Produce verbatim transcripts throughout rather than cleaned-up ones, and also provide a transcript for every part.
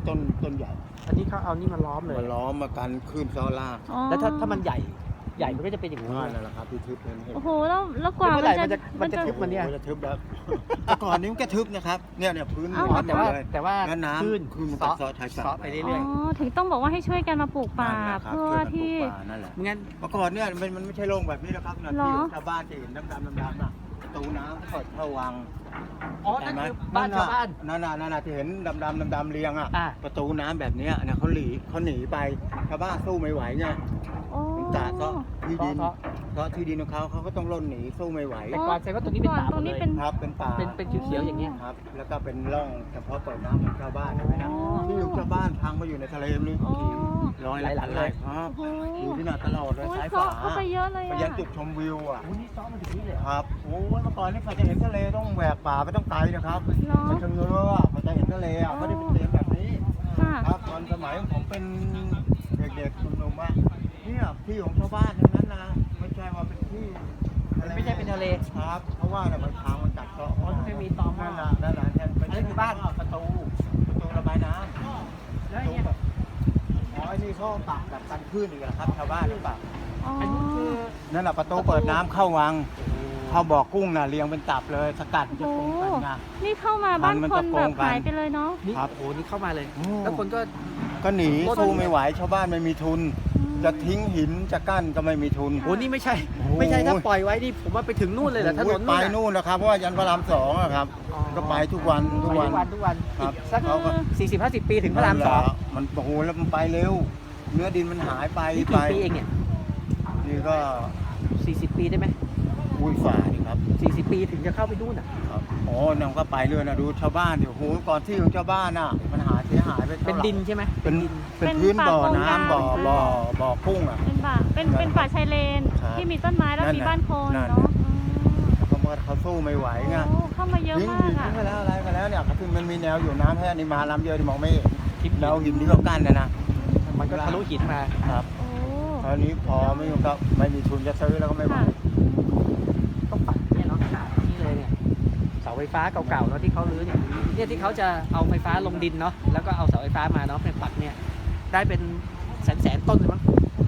ต้นต้นใหญ่อันนี้เขาเอานี่มาล้อมเลยมาล้อมมากันขึ้นซ้อล่างแล้วถ้าถ้ามันใหญ่ใหญ่มันก็จะเป็นอย่างนี้นั่นแหละครับที่ทึบนั่นเองโอ้โหแล้วแล้วกว่ามันจะมันจะทึบมันเนี่ยจะทึบแล้วแต่ก่อนนี้มันก็ทึบนะครับเนี่ยเนี่ยพื้นแต่ว่าแต่ว่าน้ำขึ้นขึ้นมันซอชายซอไปเรื่อยๆถึงต้องบอกว่าให้ช่วยกันมาปลูกป่าเพื่อที่นั่นแหละงั้นเมื่อก่อนเนี่ยมันมันไม่ใช่โล่งแบบนี้นะครับนะที่ชาวบ้านจะเห็นดำดำดำดำน่ะประตูน้ำเปิดเข้าวังอ๋อนั่นคือบ้านชาวบ้านนั่นน่ะนั่นน่ะที่เห็นดำดำดำดำเรียงอ่ะประตูน้ำแบบนี้นะเขาหนีเขาหนีไปชาวบ้านสู้ไม่ไหวไงจ่าก็ที่ดินเพราะที่ดินของเขาเขาก็ต้องล่นหนีสู้ไม่ไหวแต่ก่อนแสดงว่าตรงนี้เป็นป่าตรงนี้เป็นครับเป็นป่าเป็นเป็นเขียวๆอย่างเงี้ยครับแล้วก็เป็นร่องเฉพาะเปิดน้ำของชาวบ้านนะที่อยู่ชาวบ้านพังมาอยู่ในทะเลนี่ร้อยหลายเลยครับอยู่ที่น่าตลอดเลยสายฝาไปเยอะเลยไปยังจุดชมวิวอ่ะโอ้นี่ซ้อมมาถึงนี่เลยครับโอ้เมื่อก่อนนี่ใครจะเห็นทะเลต้องแหวกป่าไปต้องไกลนะครับไปเชิงเรือพอจะเห็นทะเลอ่ะไม่ได้เป็นทะเลแบบนี้ครับตอนสมัยผมเป็นเด็กๆหนุ่มๆอ่ะเนี่ยที่ของชาวบ้านทั้งนั้นนะไม่ใช่ว่าเป็นที่ไม่ใช่เป็นทะเลครับเพราะว่าเนี่ยมันทางมันกัดเซาะเพราะไม่มีตอมนั่นแหละนั่นแหละแทนเป็นบ้านประตูประตูระบายน้ำแล้วเนี่ยอ๋อไอ้นี่เขาปักแบบกันคลื่นอีกแล้วครับชาวบ้านหรือเปล่าอันนี้คือนั่นแหละประตูเปิดน้ำเข้าวังเข้าบ่อกุ้งน่ะเรียงเป็นตับเลยสกัดจะปรุงกันไงนี่เข้ามาบ้านคนแบบหายไปเลยเนาะครับโอ้นี่เข้ามาเลยแล้วคนก็ก็หนีสู้ไม่ไหวชาวบ้านไม่มีทุนจะทิ้งหินจะกั้นก็ไม่มีทุนโอ้นี่ไม่ใช่ไม่ใช่ถ้าปล่อยไว้นี่ผมว่าไปถึงนู่นเลยเหรอถนนไปนู่นนะครับเพราะว่ายันพระรามสองอะครับก็ไปทุกวันทุกวันทุกวันทุกวันครับสักสี่สิบห้าสิบปีถึงพระรามสองมันโอ้โหแล้วมันไปเร็วเนื้อดินมันหายไปไปปีเองเนี่ยนี่ก็สี่สิบปีได้ไหมอุ้ยฝ่านี่ครับสี่สิบปีถึงจะเข้าไปนู่นอ่ะครับอ๋อนั่งก็ไปเรื่อยนะดูชาวบ้านเดี๋ยวโหก่อนที่ของชาวบ้านน่ะมันหายเสียหายไปเป็นดินใช่ไหมเป็นเป็นพื้นบ่อน้ำบ่อบ่อบ่อกุ้งอ่ะเป็นป่าเป็นเป็นป่าชายเลนที่มีต้นไม้แล้วมีบ้านคนเนาะเขามาเขาสู้ไม่ไหวไงเข้ามาเยอะมากอ่ะทิ้งไปแล้วอะไรไปแล้วเนี่ยคือมันมีแนวอยู่น้ำแค่นี้มาลำเดียวที่มองไม่เห็นแนวหินที่เขากั้นนะนะมันก็ทะลุหินมาครับตอนนี้พอไม่มีก็ไม่มีทุนจะซื้อแล้วก็ไม่ไหวต้องปัดเนี่ยเนาะนี่เลยเนี่ยเสาไฟฟ้าเก่าๆเนาะที่เขาลื้อเนี่ยเนี่ยที่เขาจะเอาไฟฟ้าลงดินเนาะแล้วก็เอาเสาไฟฟ้ามาเนาะเป็นปัดเนี่ยได้เป็นแสนแสนต้นเลยมั้ง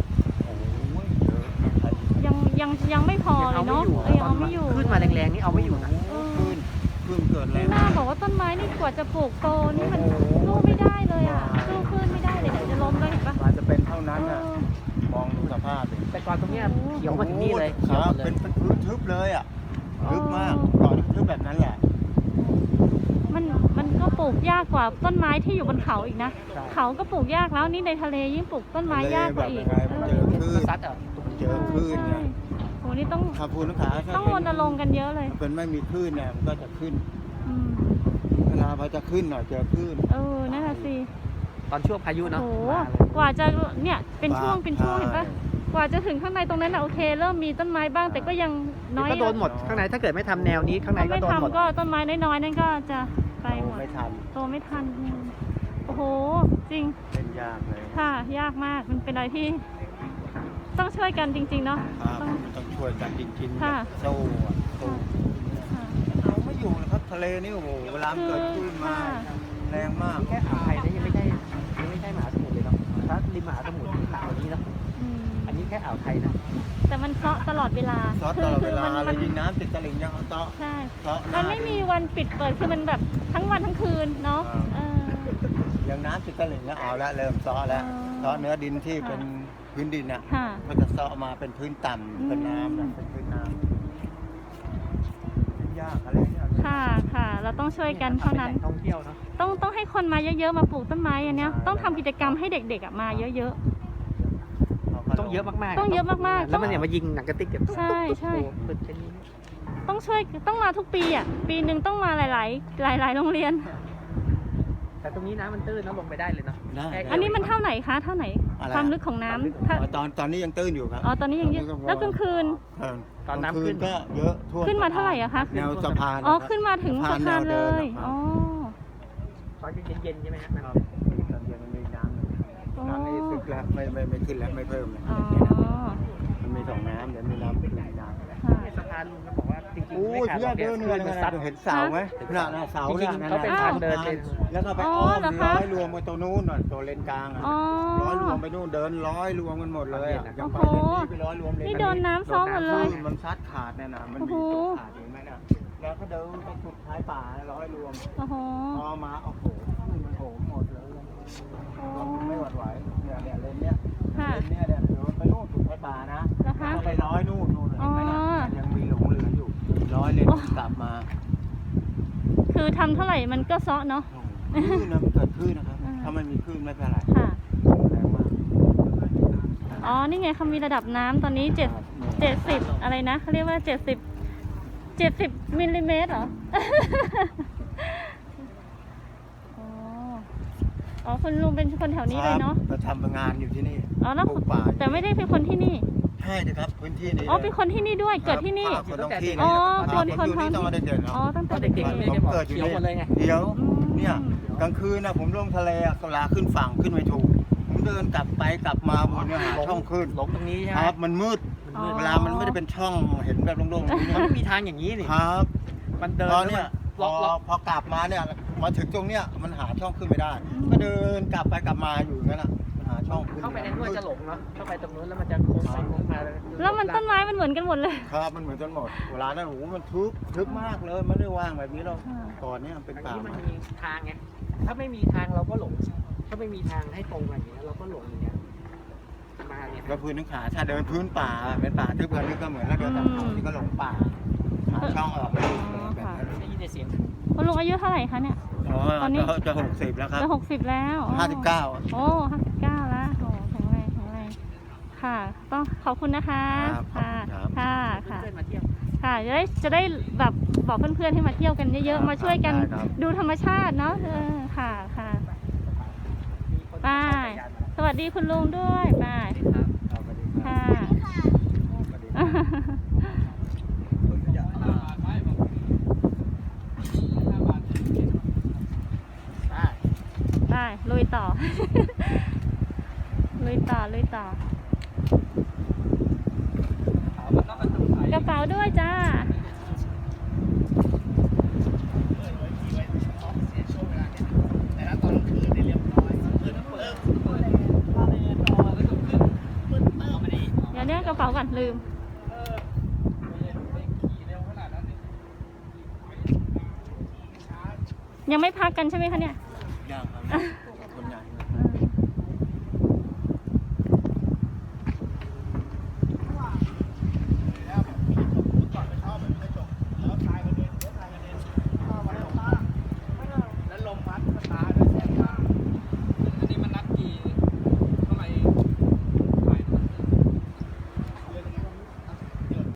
ยังยังยังไม่พอเลยเนาะยังเอาไม่อยู่ขึ้นมาแรงๆนี่เอาไม่อยู่นะขึ้นขึ้นเกิดแรงน่าบอกว่าต้นไม้นี่กว่าจะปลูกโตนี่มันสู้ไม่ได้เลยอ่ะสู้ขึ้นไม่ได้เลยเดี๋ยวจะล้มเลยเห็นปะมันจะเป็นเท่านั้นอ่ะมองดูสภาพเลยแต่ก่อนตรงเนี้ยเขียวมาถึงนี่เลยครับเป็นเป็นพื้นทึบเลยอ่ะทึบมากก่อนทึบแบบนั้นแหละมันมันก็ปลูกยากกว่าต้นไม้ที่อยู่บนเขาอีกนะเขาก็ปลูกยากแล้วนี่ในทะเลยิ่งปลูกต้นไม้ยากกว่าอีกเจอคลื่นซัดอ่ะเจอคลื่นเนี่ยโหนี่ต้องขับพูนขาต้องรณรงค์กันเยอะเลยเป็นไม่มีคลื่นเนี่ยมันก็จะขึ้นเวลาพอจะขึ้นหน่อยเจอคลื่นเออนั่นแหละสิตอนช่วงพายุเนาะโหกว่าจะเนี่ยเป็นช่วงเป็นช่วงเห็นปะกว่าจะถึงข้างในตรงนั้นนะโอเคเริ่มมีต้นไม้บ้างแต่ก็ยังน้อยก็โดนหมดข้างในถ้าเกิดไม่ทำแนวนี้ข้างในก็โดนหมดก็ต้นไม้น้อยๆนั่นก็จะไปหมดไม่ทันโตไม่ทันโอ้โหจริงเป็นยากเลยค่ะยากมากมันเป็นอะไรที่ต้องช่วยกันจริงๆเนาะต้องต้องช่วยกันจริงๆค่ะโซ่โซ่เอาไม่อยู่นะครับทะเลนี่โอ้โหเวลาเกิดขึ้นมาแรงมากแค่อ่าวไทยนี่ยังไม่ใช่ยังไม่ใช่มหาสมุทรเลยเนาะถ้าริมมหาสมุทรหนักกว่านี้เนาะอันนี้แค่อ่าวไทยนะแต่มันเซาะตลอดเวลาเซาะตลอดเวลาเลยยิงน้ำติดตลิ่งยังเซาะใช่มันไม่มีวันปิดเปิดคือมันแบบทั้งวันทั้งคืนเนาะยังน้ำติดตลิ่งแล้วเอาละเริ่มเซาะแล้วเซาะเนื้อดินที่เป็นพื้นดินอ่ะก็จะเซาะมาเป็นพื้นต่ำเป็นน้ำเป็นพื้นน้ำยากอะไรเนี่ยค่ะค่ะเราต้องช่วยกันเท่านั้นท่องเที่ยวเนาะต้องต้องให้คนมาเยอะๆมาปลูกต้นไม้อันเนี้ยต้องทำกิจกรรมให้เด็กๆมาเยอะๆต้องเยอะมากๆต้องเยอะมากๆแล้วมันเนี่ยมายิงหนังกระติกแบบใช่ใช่ต้องช่วยต้องมาทุกปีอ่ะปีหนึ่งต้องมาหลายๆหลายๆโรงเรียนแต่ตรงนี้น้ำมันตื้นแล้วลงไปได้เลยเนาะอันนี้มันเท่าไหนคะเท่าไหนความลึกของน้ำตอนตอนนี้ยังตื้นอยู่ครับอ๋อตอนนี้ยังเยอะแล้วกลางคืนตอนน้ำขึ้นก็เยอะท่วมขึ้นมาเท่าไหร่อะคะแนวสะพานอ๋อขึ้นมาถึงสะพานเลยอ๋อตอนเย็นๆใช่ไหมครับตอนเย็นมันมีน้ำน้ำนี่ซึกแล้วไม่ไม่ไม่ขึ้นแล้วไม่เพิ่มเลยมันมีสองน้ำเดี๋ยวมีน้ำขึ้นน้ำสะพานลุงเขาบอกว่าจริงๆโอ้ไม่ยขาดเพื่หรออกเดินเนี่เนี่ย ยมันนะซัดเห็นเสาไหมน่ะน่ะเสาจริงๆน่ะเขาเป็นทางเดินเป็นแล้วก็ไปอ๋ออ้อมเหรอคะร้อยรวมไปตัวนู้นน่ะตัวเลนกลางอ่ะอ๋อร้อยรวมไปนู่นเดินร้อยรวมกันหมดเลยอะยังไปโอ้โหเลนนี้ไปร้อยรวมเลนนี่โดนน้ำซ้อมหมดเลยคลื่นมันซัดขาดเนี่ยนะมันมีโอ้โหตัวขาดเห็นไหมน่ะแล้วก็เดินไปสุดท้ายป่าร้อยรวมโอ้โหพอมาโอ้โหคลื่นมันโหมหมดเลยโอ้รถมันไม่หวั่นไหวเนี่ยเนี่ยเลนเนี้ยค่ะเลนเนี้ยเนี่ยเดินไปนู่นสุดท้ายป่านะนะคะแล้วไปร้อยนู่นนู่นเห็นไหมน่ะอ๋อยังมีหลงเหลืออยู่ร้อยเลนโอ้กลับมาคือทำเท่าไหร่มันก็ซ้อเนาะคลื่นนะมันเกิดคลื่นนะครับอ่าถ้ามันมีคลื่นไม่เป็นไรค่ะแรงมากอ๋อ นี่ไงเขามีระดับน้ำตอนนี้เจ็ดเจ็ดสิบอะไรนะเขาเรียกว่าเจ็ดสิบเจ็ดสิบมิลลิเมตรเหรอ อ๋อ อ๋อคุณลุงเป็นคนแถวนี้เลยเนาะครับมาทำงานอยู่ที่นี่อ๋อแล้วปลูกป่าอยู่แต่ไม่ได้เป็นคนที่นี่ใช่เลยครับพื้นที่นี้อ๋อ เป็นคนที่นี่ด้วย เกิดที่นี่ครับคนท้องที่อ๋อครับคนผมอยู่นี่คนตั้งแต่เด็กๆครับอ๋อ ตั้งตแต่อนเด็เด็กกๆๆไม่เลยได้บอกเกิดอยู่เขียวหมดเลยไงเดี๋ยวอืมเนี่ยกลางคืนนะผมลงทะเลอะเวลาขึ้นฝั่งขึ้นไม่ถูก ผมเดินกลับไปกลับมาบนเนี่ยหาช่องขึ้นหลงตรงนี้ใช่ไหคมรับมันมืดมันมืดเวลามันไม่ได้เป็นช่องเห็นแบบโล่งๆอย่างนี้มันนะไม่มีทางอย่างนี้นี่ครับมันเดินตอนเนี้ยพล็ออกล็อกพอกลับมาเนี่ยมาถึงตรงเนี้ยมันหาช่องขึ้นไม่ได้ ก็เดินกลับไปกลับมาอยู่อย่างนั้นอ่ะมันหาช่องขึ้นเข้าไปในนู้นจะหลงเนาะเข้าไปตรงนู้นแล้วมันจะโค้งไปโค้งมาแล้วมันต้นไม้มันเหมือนกันหมดเลยครับมันเหมือนกันหมดเวลานั้นโอ้โหมันทึบทึบมากเลยไม่ได้ว่างแบบนี้หรอกอ่าก่อนเนี้ยมันเป็นอันป่านี้มันไม้มีทางไงถ้าไม่มีทางเราก็หลง ถ้าไม่มีทางให้ตรงอย่างเงี้ยเราก็หลงอย่างเงี้ยมาเนี่ยแล้วพื้นนึกขาถ้าเดินพื้นป่าเป็นป่าทึบกันนี่ก็เหมือนแล้วเดินตามเขาที่ก็หลงป่าหาช่องออกไม่ถูกเลยแบบนั้นได้ยินแต่เสียงคุณลุงอายุเท่าไหร่คะเนี่ยอ๋อตอนนี้จะจะหกสิบแล้วครับจะหกสิบแล้วอ๋อห้าสิบเก้าโอ้ห้าสิบเก้าแล้วโอ้แข็งแรงแข็งแรงค่ะ ต้องขอบคุณนะคะครับขอบค่ะคุณครับค่ะ ค่ะเพื่อนๆมาเที่ยวค่ะ จะได้ จะได้แบบบอกเพื่อนๆให้มาเที่ยวกันเยอะๆ มาช่วยกันได้ครับดูธรรมชาติเนาะ เออ ค่ะ ค่ะมีคนไปขี่จักรยานมาสวัสดีคุณลุงด้วยไปครับครับสวัสดีครัค่ะบสวัสดีครับอ่าไปลุยต่อ ลุยต่อ ลุยต่อ กระเป๋าด้วยจ้า เดี๋ยวเนี้ยกระเป๋าก่อนลืม ยังไม่พักกันใช่ไหมคะเนี่ยยังครับ